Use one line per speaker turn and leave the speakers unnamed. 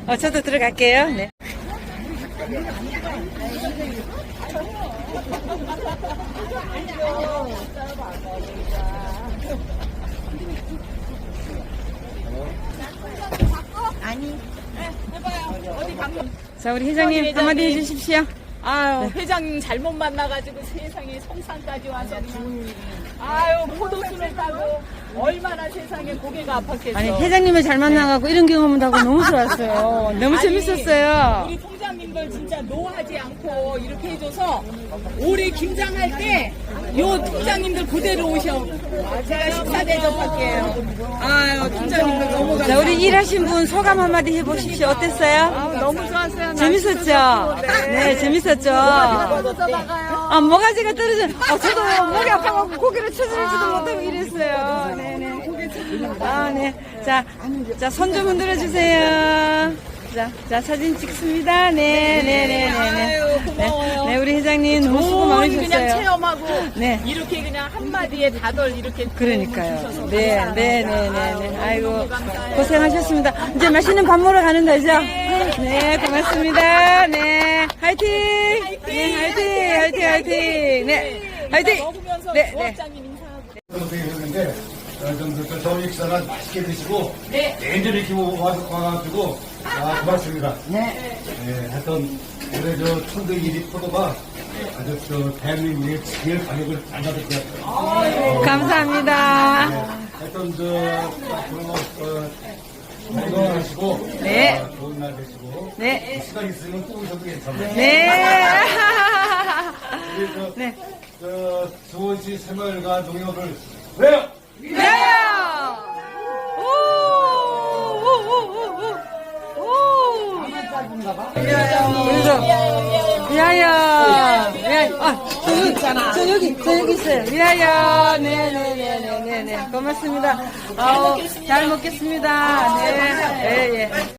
저도 들어갈게요. 네. 자, 우리 회장님 한마디 해주십시오.
아유, 회장님 잘못 만나가지고 세상에 성산까지 와서 아유, 포도수를 따고 얼마나 세상에 고개가 아팠겠어.
아니, 회장님을 잘 만나가고 이런 경험을 하고 너무 좋았어요. 너무
아니,
재밌었어요.
우리 통장님들 진짜 노하지 않고 이렇게 해줘서 올해 김장할 때 요 통장님들 그대로 오셔. 제가 식사 대접할게요. 아유, 통장님들 너무 감사합니다.
자, 우리 일하신 분 소감 한마디 해보십시오. 어땠어요?
너무 좋았어요.
재밌었죠? 네, 재밌었죠? 아, 모가지가 떨어져. 저도 목이 아파갖고 고개를 쳐들지도 못하고 이랬어요. 네네. 아, 네. 자, 손 좀 흔들어 주세요. 자, 사진 찍습니다. 네네네네.
아유, 고마워요.
네, 우리 회장님 너무 수고
그냥
많으셨어요.
체험하고
네.
이렇게 그냥 한마디에 다들 이렇게
그러니까요.
주셔서
네,
감사합니다.
네네네네. 아이고,
너무 감사해요.
고생하셨습니다. 이제 맛있는 밥 먹으러 가는 거죠? 네, 고맙습니다. 네, 화이팅! 네, 화이팅! 네, 화이팅!
먹으면서
네, 네.
조합장님 인사하고.
고생했는데 저녁 식사는 맛있게 드시고
네.
내일 이렇게 와가지고 고맙습니다. 네. 하여튼 올해 천둥이리 포도가 아주 대한민국의 제일 가격을 잘 받을 것 같아요.
감사합니다.
하여튼 앞으로 건강하시고
네.
좋은 날 되시고
네.
시간 있으면 또 오셔도 괜찮아요.
네.
우리
네.
수원시 새마을과 농협을 왜요?
위하여! 그래서 위하여! 저 여기 있어요. 위하여! 네네네네네. 고맙습니다. 잘 먹겠습니다. 네. 예, 예.